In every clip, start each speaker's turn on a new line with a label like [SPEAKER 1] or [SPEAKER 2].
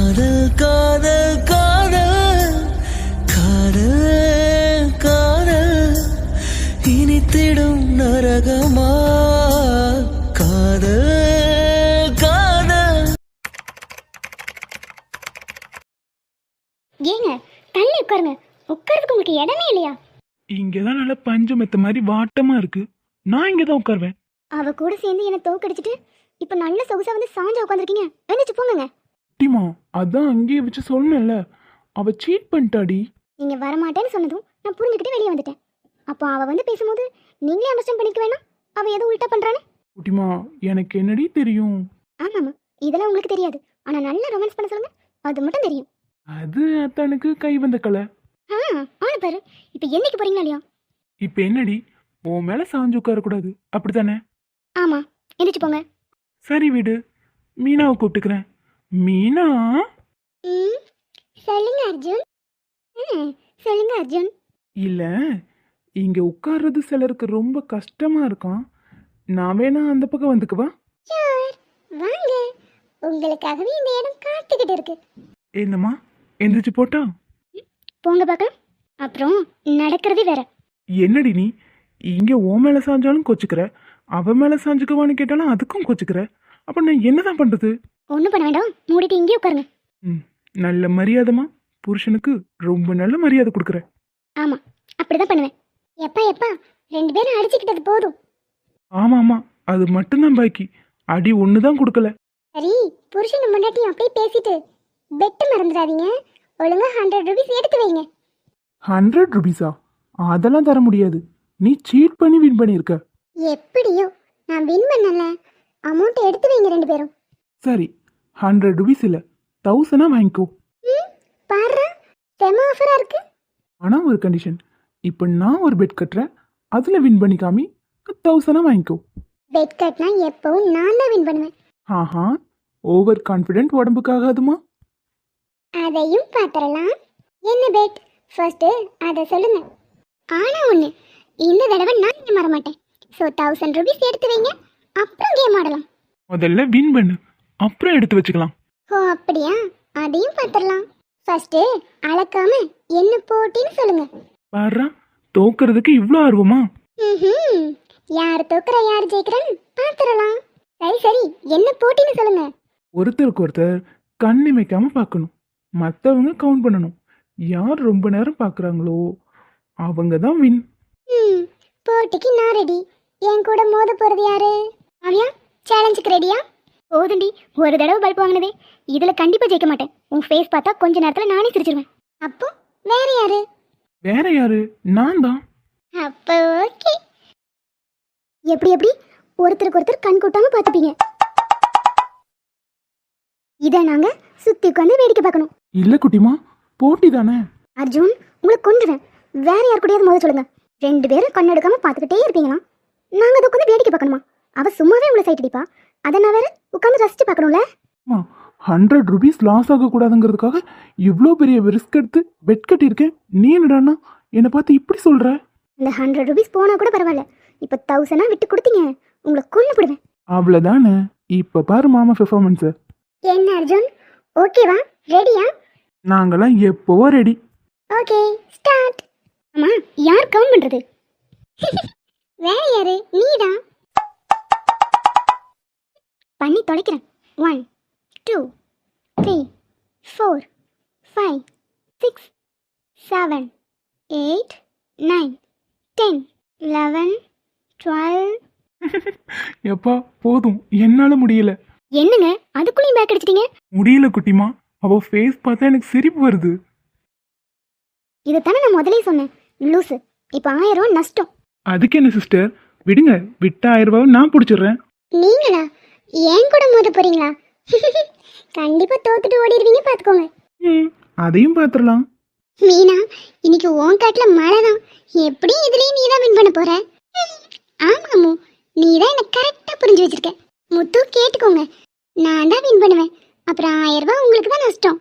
[SPEAKER 1] காதல் காதல் காதல் காதல் காதல் இனித்திடும் நரகமா காதல் காதல்.
[SPEAKER 2] ஏங்க தள்ளி உட்காருங்க. உட்கார்றதுக்கு உங்களுக்கு இடமே இல்லையா?
[SPEAKER 3] இங்கதான் நல்ல பஞ்சு மெத்த மாதிரி வாட்டமா இருக்கு. நான் இங்கதான் உட்காருவேன்.
[SPEAKER 2] அவ கூட சேர்ந்து என்ன தோக்கடிச்சிட்டு இப்ப நல்ல சொகுசா வந்து சாஞ்சா உட்காந்துருக்கீங்க. எழுந்துச்சு போங்க.
[SPEAKER 3] டிமா, அதான் அங்கேயே வச்சு சொன்னேன்ல, அவ சீட் பண்ணிட்டாடி.
[SPEAKER 2] நீங்க வரமாட்டேன்னு சொன்னதும் நான் புரிஞ்சுக்கிட்டு வெளியே வந்துட்டேன். அப்போ அவ வந்து பேசும்போது நீங்களே அண்டர்ஸ்டாண்ட் பண்ணிக்க வேணாம் அவ ஏதோ உல்ட்டா பண்றானே.
[SPEAKER 3] குட்டிமா, எனக்கு என்னடி தெரியும்?
[SPEAKER 2] ஆமாமா, இதெல்லாம் உங்களுக்கு தெரியாது. ஆனா நல்லா ரொமான்ஸ் பண்ண சொல்லுங்க, அது மட்டும் தெரியும்.
[SPEAKER 3] அது அத்தனுக்கு கை வந்த கலை.
[SPEAKER 2] ஆன பாரு. இப்ப என்னைக்கு போறீங்களா இல்லையா?
[SPEAKER 3] இப்ப என்னடி, உன் மேல சாஞ்சு உட்கார கூடாது அப்படித்தானே?
[SPEAKER 2] ஆமா, எந்திரிச்சு போங்க.
[SPEAKER 3] சரி விடு, மீனாவை கூப்பிட்டுக்கிறேன். மீனா.
[SPEAKER 2] சொல்லுங்க அர்ஜுன். சொல்லுங்க அர்ஜுன்.
[SPEAKER 3] இல்ல, இங்க உட்கார்றது சிலருக்கு ரொம்ப கஷ்டமா இருக்கான். நான் வேணா அந்த பக்கம் வந்துக்குவா?
[SPEAKER 2] வாங்க, உங்களுக்காகவே இந்த இடம் காத்துக்கிட்டு இருக்கு.
[SPEAKER 3] என்னம்மா, எந்திரிச்சு போட்டா?
[SPEAKER 2] போங்க பார்க்கலாம். அப்புறம் நடக்கிறதே வேற.
[SPEAKER 3] என்னடி நீ இங்க ஓ மேல சாஞ்சாலும் கொச்சுக்கிற, அவ மேல சாஞ்சுக்குவான்னு கேட்டாலும் அதுக்கும் கொச்சுக்கிற. அப்ப நான் என்னதான் பண்றது?
[SPEAKER 2] ஒன்றும் பண்ண வேண்டாம், மூடிட்டு இங்கே உட்காருங்க.
[SPEAKER 3] நல்ல மரியாதைமா, புருஷனுக்கு ரொம்ப நல்ல மரியாதை கொடுக்குற.
[SPEAKER 2] ஆமா, அப்படிதான் பண்ணுவேன். எப்பா எப்பா, 2 பேரும் அடிச்சுக்கிட்டது போதும்.
[SPEAKER 3] ஆமா ஆமா, அது மட்டும்தான் பாக்கி. அடி ஒண்ணுதான் கொடுக்கல.
[SPEAKER 2] சரி, புருஷன் முன்னாடி அப்படியே பேசிட்டு பெட்டு மறந்துடாதீங்க. ஒழுங்கா 100 ரூபீஸ் எடுத்து வைங்க.
[SPEAKER 3] 100 ரூபீஸா? அதெல்லாம் தர முடியாது. நீ சீட் பண்ணி வின் பண்ணியிருக்க.
[SPEAKER 2] எப்படியோ நான் வின் பண்ணல. அமௌண்ட் எடுத்து வைங்க 2 பேரும்.
[SPEAKER 3] சரி, 100 ரூபீஸ் இல்ல, 1000 வாங்கிக்கோ.
[SPEAKER 2] பாரு, செம ஆஃபரா இருக்கு.
[SPEAKER 3] ஆனா ஒரு கண்டிஷன். இப்போ நான் ஒரு பெட் கட்டுறேன், அதுல வின் பண்ணி காமி, 1000 வாங்கிக்கோ.
[SPEAKER 2] பெட் கட்னா எப்பவும் நான் தான் வின் பண்ணுவேன்.
[SPEAKER 3] ஆஹா, ஓவர் கான்ஃபிடென்ட் உடம்புக்காகாதுமா.
[SPEAKER 2] அதையும் பாத்திரலாம். என்ன பெட் ஃபர்ஸ்ட் அதை சொல்லுங்க. ஆனா ஒண்ணு, இந்த தடவை நான் இங்க மற மாட்டேன். ஸோ 1000 ரூபீஸ் எடுத்து வைங்க, அப்புறம் கேம் ஆடலாம்.
[SPEAKER 3] முதல்ல வின் பண்ணு, அப்புறம் எடுத்து வச்சுக்கலாம்.
[SPEAKER 2] ஓ அப்படியா? அதையும் பாத்திரலாம். ஃபர்ஸ்ட் அளக்காம என்ன போட்டின்னு சொல்லுங்க.
[SPEAKER 3] பாரு, தோக்குறதுக்கு இவ்வளோ ஆர்வமா?
[SPEAKER 2] யார் தோக்குறா யார் ஜெயிக்கிறேன்னு பாத்திரலாம். சரி சரி, என்ன போட்டின்னு சொல்லுங்க.
[SPEAKER 3] ஒருத்தருக்கு ஒருத்தர் கண்ணு வைக்காம பார்க்கணும். மற்றவங்க கவுண்ட் பண்ணணும். யார் ரொம்ப நேரம் பார்க்குறாங்களோ அவங்க தான் வின்.
[SPEAKER 2] போட்டிக்கு நான் ரெடி. என் கூட மோத போறது யாரு? ஆவியா, சேலஞ்சுக்கு ரெடியா? போதுண்டி, ஒரு தடவை பல்ப் வாங்கினதே. இதுல கண்டிப்பா ஜெயிக்க மாட்டேன். உன் ஃபேஸ் பார்த்தா கொஞ்ச நேரத்துல நானே சிரிச்சிருவேன். அப்போ வேற யாரு?
[SPEAKER 3] வேற யாரு? நான் தான்.
[SPEAKER 2] அப்போ ஓகே. எப்படி எப்படி ஒருத்தருக்கு ஒருத்தர் கண் கூட்டாம பார்த்துப்பீங்க. இதை நாங்க சுத்தி உட்காந்து வேடிக்கை பார்க்கணும்.
[SPEAKER 3] இல்ல குட்டிமா, போட்டி தானே.
[SPEAKER 2] அர்ஜுன், உங்களை கொன்றுவேன். வேற யார் கூடயாவது மோத சொல்லுங்க. 2 பேரும் கண் எடுக்காம பார்த்துக்கிட்டே இருப்பீங்களா? நாங்க அதை உட்காந்து வேடிக்கை பார்க்கணுமா? அவ சும்மாவே உங்களை சைட் அடிப்பா. அதை நான் வேற உட்காந்து ரசிச்சு பார்க்கணும்ல.
[SPEAKER 3] 100 ரூபீஸ் லாஸ் ஆகக்கூடாதுங்கிறதுக்காக இவ்வளோ பெரிய ரிஸ்க் எடுத்து பெட் கட்டியிருக்கேன். நீ என்னடான்னா என்னை பார்த்து இப்படி சொல்ற?
[SPEAKER 2] இந்த 100 ரூபீஸ் போனா கூட பரவாயில்ல. இப்போ 1000 விட்டு கொடுத்தீங்க, உங்களை கொண்டு போடுவேன்.
[SPEAKER 3] அவ்வளோதானே. இப்போ பாரு மாமா பெர்ஃபார்மன்ஸ்.
[SPEAKER 2] என்ன அர்ஜுன், ஓகேவா? ரெடியா?
[SPEAKER 3] நாங்களாம் எப்போவோ ரெடி.
[SPEAKER 2] Okay, start. அம்மா, யார் கவுண்ட் பண்றது? வேற யாரு? நீதான். பண்ணி தொலைக்கிறேன். 1 2 3 4 5 6 7 8 9 10 11 12.
[SPEAKER 3] எப்பா போதும், என்னால முடியல.
[SPEAKER 2] என்னங்க அதுக்குள்ளேயும் பேக் அடிச்சிட்டீங்க?
[SPEAKER 3] முடியல குட்டிமா, அவ ஃபேஸ் பார்த்தா எனக்கு சிரிப்பு வருது.
[SPEAKER 2] இதைத்தானே நான் முதலே சொன்னேன். லூசு, இப்போ 1000 ரூபா நஷ்டம்.
[SPEAKER 3] அதுக்கு என்ன சிஸ்டர், விடுங்க. விட்ட 1000 ரூபாவை நான் பிடிச்சிடுறேன்.
[SPEAKER 2] நீங்களா ஏன் கூட மோத போறீங்களா? கண்டிப்பா தோத்துட்டு ஓடிடுவீங்க, பாத்துக்கோங்க.
[SPEAKER 3] அதையும் பாத்துடலாம்.
[SPEAKER 2] மீனா, இன்னைக்கு உன் காட்டுல மழை தான். எப்படி இதுலயும் நீ தான் வின் பண்ண போற? ஆமாமு, நீ தான் என்ன கரெக்டா புரிஞ்சு வச்சிருக்க. முத்து கேட்டுக்கோங்க, நான் தான் வின் பண்ணுவேன். அப்புறம் 1000 ரூபாய் உங்களுக்கு தான் நஷ்டம்.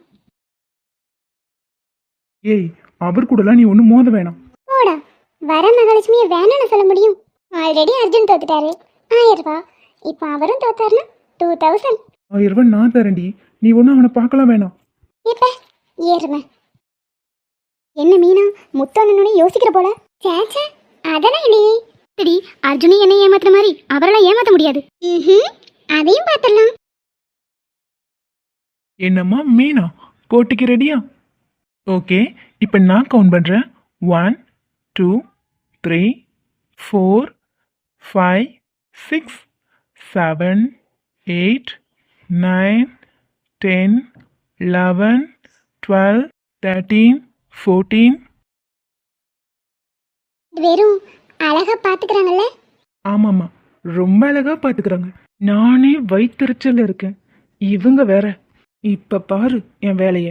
[SPEAKER 3] ஏய், அவர் கூடலாம் நீ ஒன்றும் மோத வேணாம்.
[SPEAKER 2] போடா, வர மகாலட்சுமியை வேணாம்னு சொல்ல முடியும்? ஆல்ரெடி அர்ஜுன் தோத்துட்டாரு, 1000 ரூபாய். இப்போ அவரும் தோத்தாருன்னா 2000.
[SPEAKER 3] 1000 ரூபாய் நான் தரேன்டி, நீ ஒன்றும் அவனை பார்க்கலாம் வேணாம்.
[SPEAKER 2] இப்ப ஏறுமே. என்ன மீனா, முத்தண்ணனே யோசிக்கிற போல. சேச்சே, அதெல்லாம் இல்லையே. சரி, அர்ஜுனி என்னை ஏமாத்துற மாதிரி அவரெல்லாம் ஏமாத்த முடியாது. அதையும் பார்த்துடலாம்.
[SPEAKER 3] என்னம்மா மீனா, போட்டிக்கு ரெடியா? ஓகே, இப்போ நான் கவுண்ட் பண்ணுறேன். 1 2 3 4 5 6 7 8 9 10 11 12 13 14.
[SPEAKER 2] வெறும் அழகா பாத்துக்கிறாங்கல்ல.
[SPEAKER 3] ஆமாம்மா, ரொம்ப அழகா பார்த்துக்கிறாங்க. நானே வயிற்றுச்சல்ல இருக்கேன், இவங்க வேற. இப்போ பாரு என் வேலையை.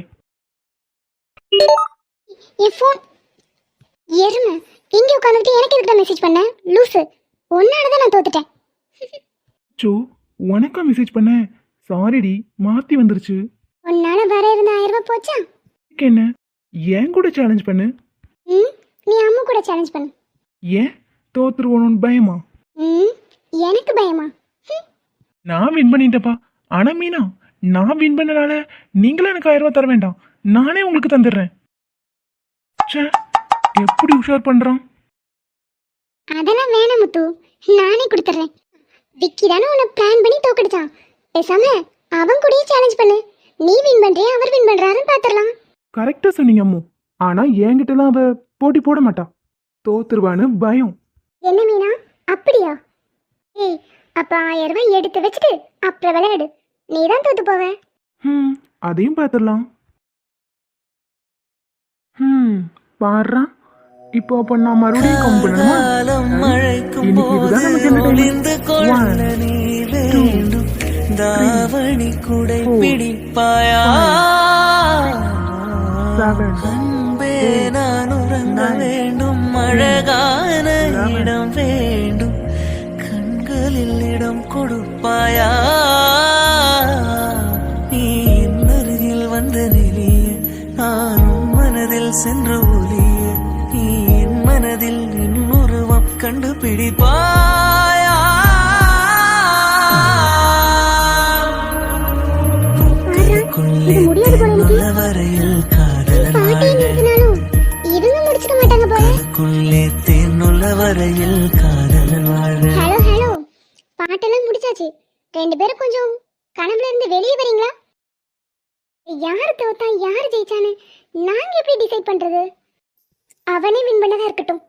[SPEAKER 2] என் ஃபோன் எருமை இங்கே உட்காந்துட்டு எனக்கு எதுக்கு மெசேஜ் பண்ண லூசு? ஒன்னாலதான் நான் தோத்துட்டேன்.
[SPEAKER 3] சோ, உனக்கா மெசேஜ் பண்ண? சாரிடி, மாற்றி வந்துருச்சு.
[SPEAKER 2] உன்னால வர இருந்த 1000 ரூபாய் போச்சா?
[SPEAKER 3] இதுக்கு என்ன, ஏன் கூட சேலஞ்ச் பண்ணு.
[SPEAKER 2] நீ அம்மா கூட சேலஞ்ச் பண்ணு.
[SPEAKER 3] ஏன் தோத்துருவோன்னு பயமா?
[SPEAKER 2] எனக்கு பயமா?
[SPEAKER 3] நான் வின் பண்ணிட்டேப்பா. ஆனா மீனா, நான் வின் பண்ணனால நீங்களும் எனக்கு 1000 ரூபாய் தர வேண்டாம், நானே உங்களுக்கு தந்துடுறேன். ச்சே, எப்படி உஷார் பண்றான்.
[SPEAKER 2] அதெல்லாம் வேணாம் முத்து, நானே கொடுத்துட்றேன். விக்கி தானே உன்னை பிளான் பண்ணி தோக்கடிச்சான். பேசாம அவன் கூடயே சேலஞ்ச் பண்ணு. நீ வின் பண்றியா அவர் வின் பண்றாருன்னு பாத்துடலாம்.
[SPEAKER 3] கரெக்டா சொன்னீங்க அம்மு. ஆனா என்கிட்டலாம் அவ போட்டி போட மாட்டா, தோத்துருவான்னு பயம்.
[SPEAKER 2] என்ன மீனா, அப்படியா? ஏய், அப்ப 1000 ரூபாய் எடுத்து வச்சுட்டு அப்புறம் விளையாடு. நீ தான் தோத்து போவ.
[SPEAKER 3] அதையும் பார்த்துடலாம். பாடுறா, இப்போ அப்ப நான் மறுபடியும் கவுண்ட் பண்ணணுமா? இன்னைக்கு இதுதான் நமக்கு entertainment. 1 2
[SPEAKER 1] தாவணி குடை பிடிப்பாயா?
[SPEAKER 3] 7
[SPEAKER 1] அன்பே நான் உறங்க வேண்டும், அழகான இடம் வேண்டும், கண்களில் இடம் கொடுப்பாயா? நீ என் அருகில் வந்த நிலைய நானும் மனதில் சென்று ஒலிய, நீ என் மனதில் என் உருவம் கண்டுபிடிப்பாயா? வரையில் காதலுக்குள்ளே தேனுள்ள வரையில் காதலன் வாழ.
[SPEAKER 2] ஹலோ ஹலோ, பாட்டெல்லாம் முடிச்சாச்சு. 2 பேரும் கொஞ்சம் கனவுல இருந்து வெளியே வரீங்களா? யாரு தோத்தா யாரு ஜெயிச்சான்னு நாங்க எப்படி டிசைட் பண்றது? அவனே வின் பண்ணதா இருக்கட்டும்.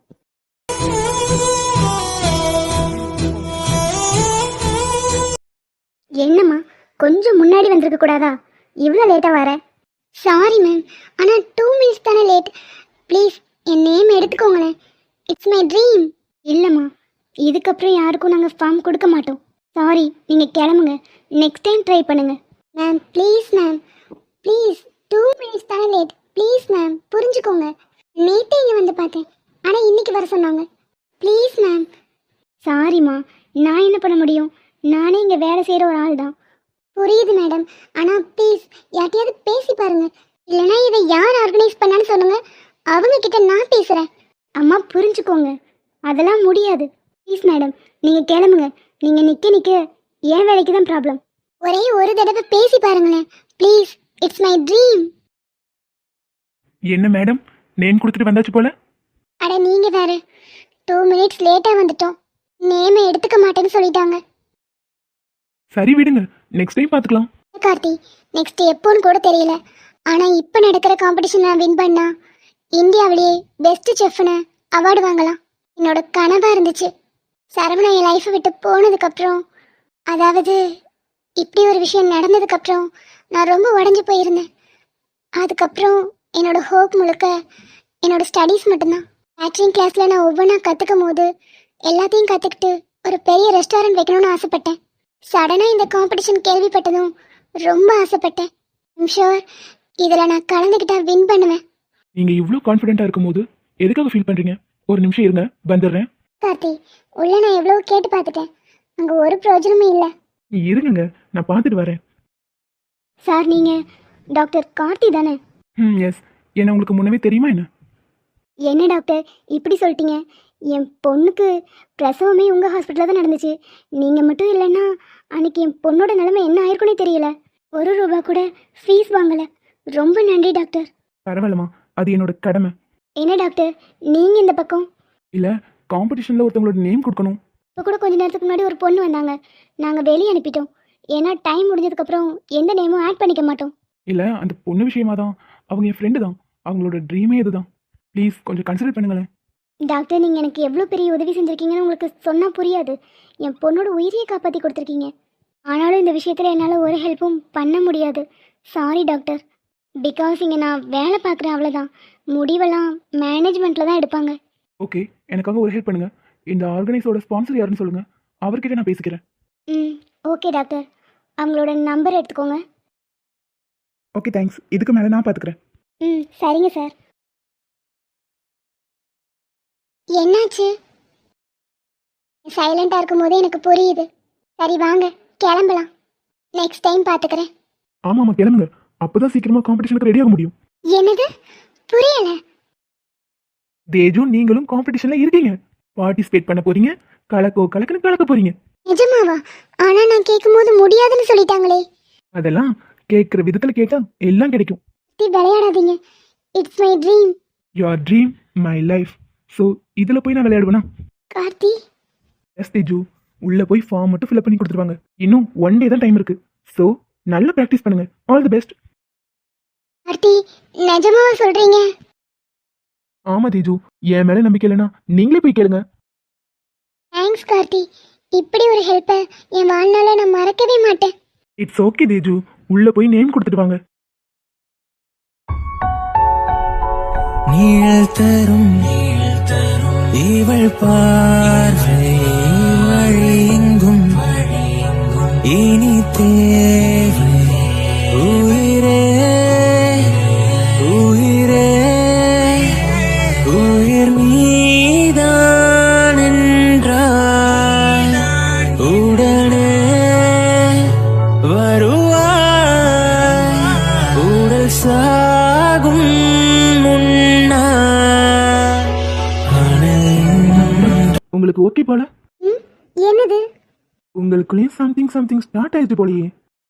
[SPEAKER 2] என்னம்மா, கொஞ்சம் முன்னாடி வந்திருக்க கூடாதா? இவ்வளோ லேட்டாக வர? சாரி மேம், ஆனால் 2 மினிட்ஸ் தானே லேட். ப்ளீஸ் என் நேம் எடுத்துக்கோங்களேன். It's my dream. இல்லைம்மா, இதுக்கப்புறம் யாருக்கும் நாங்கள் ஃபார்ம் கொடுக்க மாட்டோம். சாரி, நீங்கள் கிளம்புங்க. நெக்ஸ்ட் டைம் ட்ரை பண்ணுங்க. Ma'am please ma'am, please 2 minutes தானே லேட். ப்ளீஸ் மேம் புரிஞ்சுக்கோங்க. நேற்றே இங்கே வந்து பார்த்தேன், ஆனால் இன்னைக்கு வர சொன்னாங்க. Please ma'am. சாரிம்மா, நான் என்ன பண்ண முடியும்? நானே இங்கே வேலை செய்கிற ஒரு ஆள் தான். புரியுது மேடம், ஆனால் ப்ளீஸ் யார்ட்டையாவது பேசி பாருங்க. இல்லைனா இதை யார் ஆர்கனைஸ் பண்ணான்னு சொல்லுங்க, அவங்க கிட்ட நான் பேசுகிறேன். அம்மா புரிஞ்சுக்கோங்க, அதெல்லாம் முடியாது. ப்ளீஸ் மேடம், நீங்கள் கிளம்புங்க. நீங்கள் நிற்க என் வேலைக்கு தான் ப்ராப்ளம். ஒரே ஒரு தடவை பேசி பாருங்களேன் ப்ளீஸ். It's my dream.
[SPEAKER 3] என்ன மேடம், நேம் கொடுத்துட்டு வந்தாச்சு போல.
[SPEAKER 2] அட நீங்கள் வேற, 2 மினிட்ஸ் லேட்டாக வந்துட்டோம். நேமை எடுத்துக்க மாட்டேன்னு சொல்லிட்டாங்க.
[SPEAKER 3] சரி விடுங்க, நெக்ஸ்ட் டைம் பார்த்துக்கலாம்.
[SPEAKER 2] கார்த்தி, நெக்ஸ்ட் எப்போன்னு கூட தெரியல. ஆனால் இப்போ நடக்கிற காம்படிஷன் நான் வின் பண்ணா இந்தியாவிலேயே பெஸ்ட் செஃப்னு அவார்டு வாங்கலாம். என்னோட கனவாக இருந்துச்சு. சரவணா என் லைஃப்பை விட்டு போனதுக்கப்புறம், அதாவது இப்படி ஒரு விஷயம் நடந்ததுக்கப்புறம் நான் ரொம்ப உடஞ்சி போயிருந்தேன். அதுக்கப்புறம் என்னோட ஹோப் முழுக்க என்னோட ஸ்டடீஸ் மட்டும்தான். கேட்ரிங் கிளாஸில் நான் ஒவ்வொன்றா கற்றுக்கும் போது எல்லாத்தையும் கற்றுக்கிட்டு ஒரு பெரிய ரெஸ்டாரண்ட் வைக்கணும்னு ஆசைப்பட்டேன். சடனாக இந்த காம்படிஷன் கேள்விப்பட்டதும் ரொம்ப ஆசைப்பட்டேன். ஐம் ஷுர் இதில் நான் கலந்துக்கிட்டா வின் பண்ணுவேன்.
[SPEAKER 3] நீங்கள் இவ்வளோ கான்ஃபிடென்ட்டாக இருக்கும்போது எதுக்காக ஃபீல் பண்ணுறீங்க? ஒரு நிமிஷம் இருங்க, வந்துடுறேன்.
[SPEAKER 2] கார்த்தி, உள்ள நான் எவ்வளோ கேட்டு பார்த்துட்டேன், அங்கே ஒரு பிரயோஜனமும் இல்லை.
[SPEAKER 3] இருங்க, நான் பார்த்துட்டு வரேன்.
[SPEAKER 2] சார், நீங்கள் டாக்டர் கார்த்தி தானே?
[SPEAKER 3] எஸ். என்ன உங்களுக்கு முன்னவே தெரியுமா என்ன?
[SPEAKER 2] என்ன டாக்டர் இப்படி சொல்லிட்டீங்க? என் பொண்ணுக்கு பிரசவமே உங்கள் ஹாஸ்பிட்டலில் தான் நடந்துச்சு. நீங்கள் மட்டும் இல்லைன்னா அன்றைக்கி என் பொண்ணோட நிலைமை என்ன ஆயிருக்குன்னே தெரியல. 1 ரூபா கூட ஃபீஸ் வாங்கலை. ரொம்ப நன்றி டாக்டர்.
[SPEAKER 3] பரவாயில்லம்மா, அது என்னோட கடமை.
[SPEAKER 2] என்ன டாக்டர் நீங்கள் இந்த பக்கம்?
[SPEAKER 3] இல்லை, காம்படிஷனில் ஒருத்தவங்களோட நேம் கொடுக்கணும்.
[SPEAKER 2] இப்போ கூட கொஞ்ச நேரத்துக்கு முன்னாடி ஒரு பொண்ணு வந்தாங்க, நாங்கள் வெளியே அனுப்பிட்டோம். ஏன்னா டைம் முடிஞ்சதுக்கப்புறம் எந்த நேமும் ஆட் பண்ணிக்க மாட்டோம்.
[SPEAKER 3] இல்லை, அந்த பொண்ணு விஷயமா தான். அவங்க என் ஃப்ரெண்டு தான். அவங்களோட ட்ரீமே இதுதான். ப்ளீஸ் கொஞ்சம் கன்சிடர் பண்ணுங்களேன்.
[SPEAKER 2] டாக்டர் நீங்கள் எனக்கு எவ்வளோ பெரிய உதவி செஞ்சுருக்கீங்கன்னு உங்களுக்கு சொன்னால் புரியாது. என் பொண்ணோட உயிரையை காப்பாற்றி கொடுத்துருக்கீங்க. ஆனாலும் இந்த விஷயத்தில் என்னால் ஒரு ஹெல்ப்பும் பண்ண முடியாது. Sorry doctor. பிகாஸ் இங்கே நான் வேலை பார்க்குறேன், அவ்வளோதான். முடிவெல்லாம் மேனேஜ்மெண்ட்டில் தான் எடுப்பாங்க.
[SPEAKER 3] ஓகே, எனக்காக ஒரு ஹெல்ப் பண்ணுங்கள். இந்த ஆர்கனைஸோட ஸ்பான்சர் யாருன்னு சொல்லுங்கள், அவர்கிட்ட நான் பேசிக்கிறேன்.
[SPEAKER 2] Hmm okay doctor. அவங்களோட நம்பர் எடுத்துக்கோங்க.
[SPEAKER 3] Okay thanks. இதுக்கு மேலே நான் பார்த்துக்கிறேன்.
[SPEAKER 2] ம் சரிங்க சார். என்னாச்சு? சைலண்டாக இருக்கும்போதே எனக்கு புரியுது. சரி வாங்க கிளம்பலாம். நெக்ஸ்ட் டைம் பார்த்துக்கிறேன்.
[SPEAKER 3] ஆமாம்மா, கிளம்புங்க. அப்போ தான் சீக்கிரமாக காம்படிஷனுக்கு ரெடி ஆக முடியும்.
[SPEAKER 2] என்னது? புரியல.
[SPEAKER 3] தேஜு, நீங்களும் காம்படிஷனில் இருக்கீங்க. பார்ட்டிசிபேட் பண்ண போறீங்க. கலக்குன்னு கலக்க போறீங்க.
[SPEAKER 2] நிஜமாவா? ஆனால் நான் கேட்கும்போது முடியாதுன்னு சொல்லிட்டாங்களே.
[SPEAKER 3] அதெல்லாம் கேட்குற விதத்தில் கேட்டால் எல்லாம் கிடைக்கும்.
[SPEAKER 2] விளையாடாதீங்க. It's my dream.
[SPEAKER 3] Your dream my life. So இதில் போய் நான் விளையாடுவேனா?
[SPEAKER 2] கார்த்தி.
[SPEAKER 3] எஸ் தேஜு, உள்ளே போய் ஃபார்ம் மட்டும் ஃபில்அப் பண்ணி கொடுத்துருவாங்க. இன்னும் 1 டே தான் டைம் இருக்கு. ஸோ நல்லா ப்ராக்டிஸ் பண்ணுங்க. All the best.
[SPEAKER 2] கார்த்தி, நிஜமாவா சொல்றீங்க?
[SPEAKER 3] ஆமாம் தேஜு, என் மேலே நம்பிக்கை இல்லைன்னா நீங்களே போய் கேளுங்க.
[SPEAKER 2] தேங்க்ஸ் கார்த்தி. இப்படி ஒரு ஹெல்ப்பை என் வாழ்நாள நான் மறக்கவே மாட்டேன்.
[SPEAKER 3] இட்ஸ் ஓகே தேஜு, உள்ளே போய் நேம் கொடுத்துட்டு வாங்க.
[SPEAKER 1] நீழல் தரும் இவள் பார்வை வழியெங்கும் இனி தேவை. உயிரே உயிரே உயிர் நீதான் என்றால் உடனே வருவாய். உடல் சாகும்
[SPEAKER 3] உங்களுக்கு ஓகே போல?
[SPEAKER 2] ம் என்னது?
[SPEAKER 3] உங்களுக்குள்ளேயும் சம்திங் ஸ்டார்ட் ஆயிடுச்சு போலயே.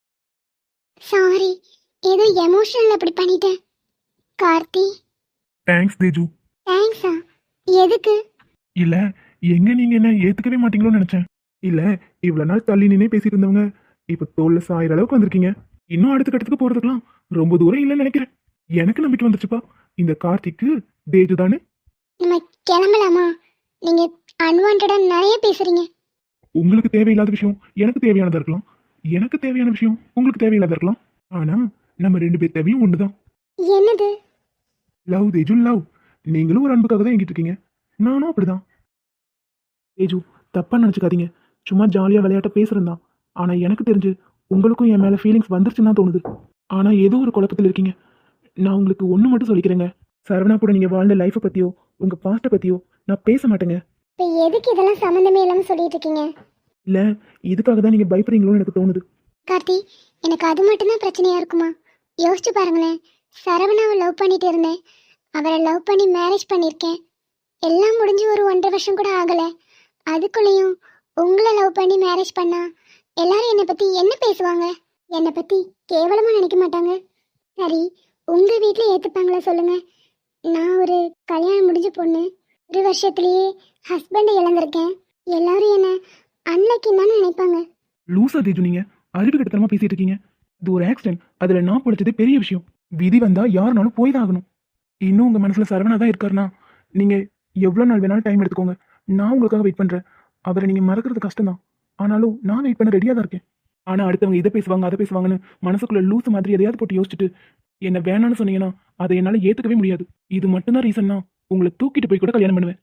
[SPEAKER 2] சாரி, ஏதோ எமோஷனல் அப்படி பண்ணிட்டேன். கார்த்தி.
[SPEAKER 3] தேங்க்ஸ் தேஜு.
[SPEAKER 2] தேங்க்ஸா? எதுக்கு?
[SPEAKER 3] இல்ல, எங்க நீங்க என்ன ஏத்துக்கவே மாட்டீங்களோன்னு நினைச்சேன். இல்ல, இவ்வளவு நாள் தள்ளி நின்னே பேசிட்டு இருந்தவங்க இப்ப தோல்ல சாயிற அளவுக்கு வந்திருக்கீங்க. இன்னும் அடுத்த கட்டத்துக்கு போறதுக்கெல்லாம் ரொம்ப தூரம் இல்லைன்னு நினைக்கிறேன். எனக்கு நம்பிக்கை வந்துருச்சுப்பா. இந்த கார்த்திக்கு தேஜு தானே.
[SPEAKER 2] நம்ம கிளம்பலாமா? நீங்க அன்வான்டா நிறைய பேசுறீங்க.
[SPEAKER 3] உங்களுக்கு தேவையில்லாத விஷயம் எனக்கு தேவையானதா இருக்கலாம். எனக்கு தேவையான விஷயம் உங்களுக்கு தேவையில்லாத இருக்கலாம். ஆனா நம்ம 2 பேர் தேவையும் ஒண்ணுதான்.
[SPEAKER 2] என்னது?
[SPEAKER 3] Love Teju, love. நீங்களும் ஒரு அன்புக்காக தான் எங்கிட்டு இருக்கீங்க, நானும் அப்படிதான். தேஜு, தப்பா நினைச்சுக்காதீங்க. சும்மா ஜாலியா விளையாட்ட பேசுறேன் தான். ஆனா எனக்கு தெரிஞ்சு உங்களுக்கும் என் மேல ஃபீலிங்ஸ் வந்துருச்சுன்னு தான் தோணுது. ஆனா ஏதோ ஒரு குழப்பத்தில் இருக்கீங்க. நான் உங்களுக்கு ஒன்று மட்டும் சொல்லிக்கிறேங்க. சரவணா கூட நீங்க வாழ்ந்த லைஃப்பை பத்தியோ உங்க பாஸ்ட்டை பத்தியோ நான் பேச மாட்டேங்க.
[SPEAKER 2] இப்போ எதுக்கு இதெல்லாம் சம்மந்தமே இல்லாமல் சொல்லிட்டு இருக்கீங்க?
[SPEAKER 3] இல்லை, இதுக்காக தான் நீங்கள் பயப்படுறீங்களோன்னு எனக்கு தோணுது.
[SPEAKER 2] கார்த்தி, எனக்கு அது மட்டும்தான் பிரச்சனையாக இருக்குமா? யோசிச்சு பாருங்களேன். சரவணாவை லவ் பண்ணிட்டு இருந்தேன். அவரை லவ் பண்ணி மேரேஜ் பண்ணியிருக்கேன். எல்லாம் முடிஞ்சு ஒரு 1.5 வருஷம் கூட ஆகலை. அதுக்குள்ளேயும் உங்களை லவ் பண்ணி மேரேஜ் பண்ணா எல்லாரும் என்னை பற்றி என்ன பேசுவாங்க? என்னை பற்றி கேவலமாக நினைக்க மாட்டாங்க? சரி, உங்கள் வீட்டில் ஏற்றுப்பாங்களா சொல்லுங்கள்? நான் ஒரு கல்யாணம் முடிஞ்ச பொண்ணு. 1 வருஷத்துலேயே ஹஸ்பண்டை இழந்திருக்கேன். எல்லாரும் என்ன அன்லக்கின்னு தானே நினைப்பாங்க.
[SPEAKER 3] லூசா தேஜு, நீங்க அறிவு கிட்டத்தனமா பேசிட்டு இருக்கீங்க. இது ஒரு ஆக்சிடென்ட். அதுல நான் பிடிச்சது பெரிய விஷயம். விதி வந்தா யாருனாலும் போய் தான் ஆகணும். இன்னும் உங்க மனசுல சரவணா தான் இருக்காருன்னா நீங்க எவ்வளவு நாள் வேணாலும் டைம் எடுத்துக்கோங்க. நான் உங்களுக்காக வெயிட் பண்றேன். அவரை நீங்க மறக்கிறது கஷ்டம் தான். ஆனாலும் நான் வெயிட் பண்ண ரெடியா தான் இருக்கேன். ஆனா அடுத்தவங்க இதை பேசுவாங்க அதை பேசுவாங்கன்னு மனசுக்குள்ள லூசு மாதிரி எதையாவது போட்டு யோசிச்சுட்டு என்ன வேணான்னு சொன்னீங்கன்னா அதை என்னால ஏத்துக்கவே முடியாது. இது மட்டும்தான் ரீசன்னா உங்களை தூக்கிட்டு போய் கூட கல்யாணம் பண்ணுவேன்.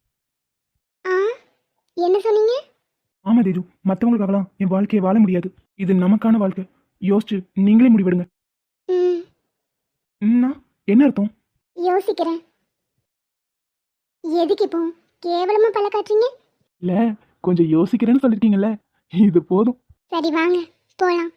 [SPEAKER 2] என்ன சொன்னீங்க?
[SPEAKER 3] ஆமா தேஜு, மற்றவங்களுக்காகலாம் என் வாழ்க்கையை வாழ முடியாது. இது நமக்கான வாழ்க்கை. யோசிச்சு நீங்களே முடிவெடுங்க. என்ன அர்த்தம்?
[SPEAKER 2] யோசிக்கிறேன். எதுக்கு இப்போ கேவலமா பல்ல காட்டுறீங்க?
[SPEAKER 3] இல்ல, கொஞ்சம் யோசிக்கிறேன்னு சொல்லிருக்கீங்கல்ல, இது போதும்.
[SPEAKER 2] சரி வாங்க போலாம்.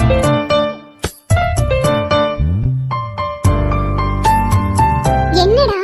[SPEAKER 2] என்னடா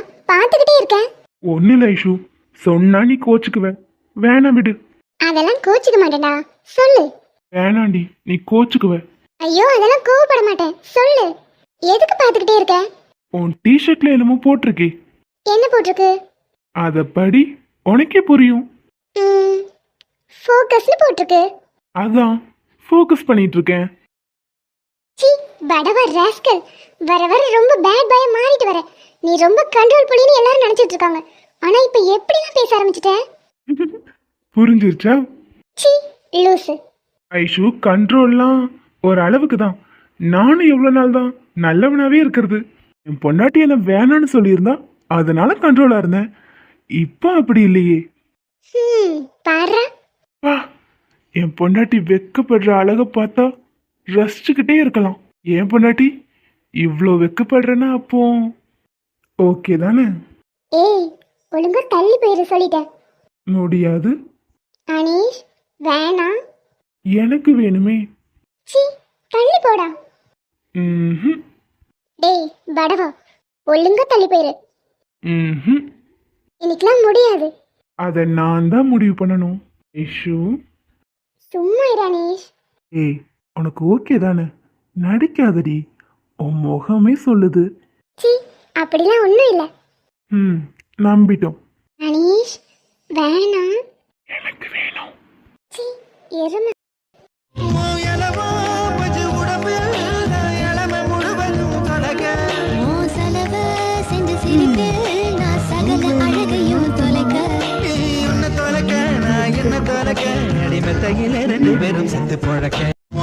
[SPEAKER 2] பார்த்துக்கிட்டே இருக்கேன்.
[SPEAKER 3] ஒன்னும் இல்லை ஐஷு, சொன்னா நீ கோச்சுக்குவ. வேணாம் விடு.
[SPEAKER 2] அதெல்லாம் கோச்சிக்க மாட்டேன்டா, சொல்லு.
[SPEAKER 3] வேணாண்டி, நீ கோச்சுக்குவ.
[SPEAKER 2] ஐயோ அதெல்லாம் கோவப்பட மாட்டேன், சொல்லு. எதுக்கு பார்த்துக்கிட்டே இருக்க?
[SPEAKER 3] உன் டிஷர்ட்ல என்னமோ போட்டிருக்கே,
[SPEAKER 2] என்ன போட்டிருக்கு?
[SPEAKER 3] அத படி, உனக்கே புரியும்.
[SPEAKER 2] ஃபோக்கஸ்னு போட்டிருக்கு.
[SPEAKER 3] அதான் ஃபோக்கஸ் பண்ணிட்டு இருக்கேன்.
[SPEAKER 2] சி படவா ராஸ்கல், வர வர ரொம்ப பேட் பாயா மாறிட்டு வர. நீ ரொம்ப கண்ட்ரோல் புள்ளின்னு எல்லாரும் நினைச்சிட்டு இருக்காங்க. ஆனா இப்ப எப்படிலாம் பேச ஆரம்பிச்சிட்ட?
[SPEAKER 3] புரிஞ்சிருச்சா?
[SPEAKER 2] சி லூசு.
[SPEAKER 3] ஐஷு, கண்ட்ரோல்லாம் ஒரு அளவுக்கு தான். நானும் எவ்வளவு நாள் தான் நல்லவனாவே இருக்கிறது. என் பொண்டாட்டி என்ன வேணான்னு சொல்லியிருந்தா அதனால கண்ட்ரோலா இருந்தேன். இப்போ அப்படி இல்லையே.
[SPEAKER 2] பாரு.
[SPEAKER 3] வா, என் பொண்டாட்டி வெக்கப்படுற அழக பார்த்தா ரசிச்சுக்கிட்டே இருக்கலாம். என் பொண்டாட்டி இவ்வளோ வெக்கப்படுறேன்னா அப்போ ஓகே தானே?
[SPEAKER 2] ஏய் ஒழுங்கா தள்ளி போயிரு சொல்லிட்டேன்.
[SPEAKER 3] முடியாது.
[SPEAKER 2] அனீஷ் வேணாம்.
[SPEAKER 3] எனக்கு வேணுமே.
[SPEAKER 2] சி தள்ளி போடா.
[SPEAKER 3] ம்ஹும்.
[SPEAKER 2] டேய் படவா, ஒழுங்கா தள்ளி போயிரு.
[SPEAKER 3] ம்ஹும்.
[SPEAKER 2] இன்னைக்கெல்லாம் முடியாது.
[SPEAKER 3] அதை நான் தான் முடிவு பண்ணணும். ஐஷு,
[SPEAKER 2] சும்மா இரு அனீஷ்.
[SPEAKER 3] ஏய் உனக்கு ஓகே தானே? நடிக்காதடி, உன் முகமே சொல்லுது.
[SPEAKER 2] சி அப்படிலாம் ஒன்றும் இல்லை.
[SPEAKER 3] நம்பிட்டோம்.
[SPEAKER 2] அனீஷ் வேணாம்.
[SPEAKER 3] எனக்கு வேணும்.
[SPEAKER 2] சி எருமை.
[SPEAKER 1] ரெண்டு பேரும் செத்து பழக்க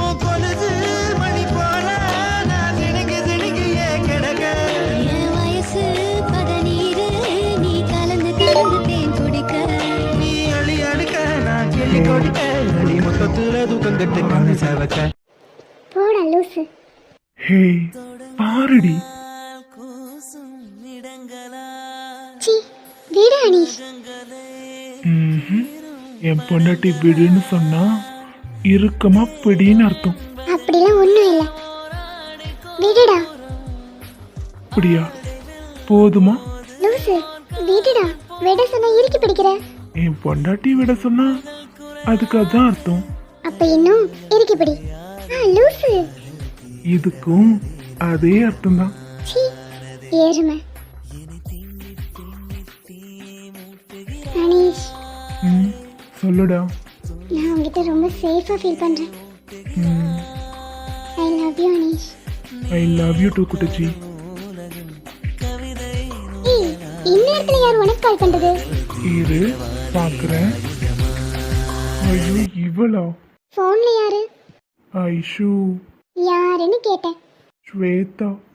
[SPEAKER 2] போடா லூசு.
[SPEAKER 3] ஹே பாருடி.
[SPEAKER 2] சி விடு அனீஷ்.
[SPEAKER 3] என் பொண்டாட்டி விடுன்னு சொன்னா இறுக்கமா பிடின்னு அர்த்தம்.
[SPEAKER 2] அப்படிலாம் ஒன்றும் இல்லை, விடுடா.
[SPEAKER 3] அப்படியா? போதுமா?
[SPEAKER 2] லூசு விடுடா. விட சொன்னா இறுக்கி பிடிக்கிற.
[SPEAKER 3] என் பொண்டாட்டி விட சொன்னா அதுக்கு அதான் அர்த்தம்.
[SPEAKER 2] அப்ப இன்னும் இறுக்கி பிடி. லூசு.
[SPEAKER 3] இதுக்கும் அதே அர்த்தம் தான்.
[SPEAKER 2] சி எருமை. அனீஷ்
[SPEAKER 3] சொல்லுடா.
[SPEAKER 2] நான் உங்ககிட்ட ரொம்ப சேஃபா ஃபீல் பண்றேன். I love you Aneesh.
[SPEAKER 3] I love you too குட்டச்சி.
[SPEAKER 2] ஏய் இந்நேரத்துல யார் உனக்கு கால் பண்றது?
[SPEAKER 3] இரு பாக்குறேன். ஐயோ இவளா?
[SPEAKER 2] போன்ல யாரு?
[SPEAKER 3] ஐஷு.
[SPEAKER 2] யாருன்னு கேட்டேன்.
[SPEAKER 3] ஸ்வேதா.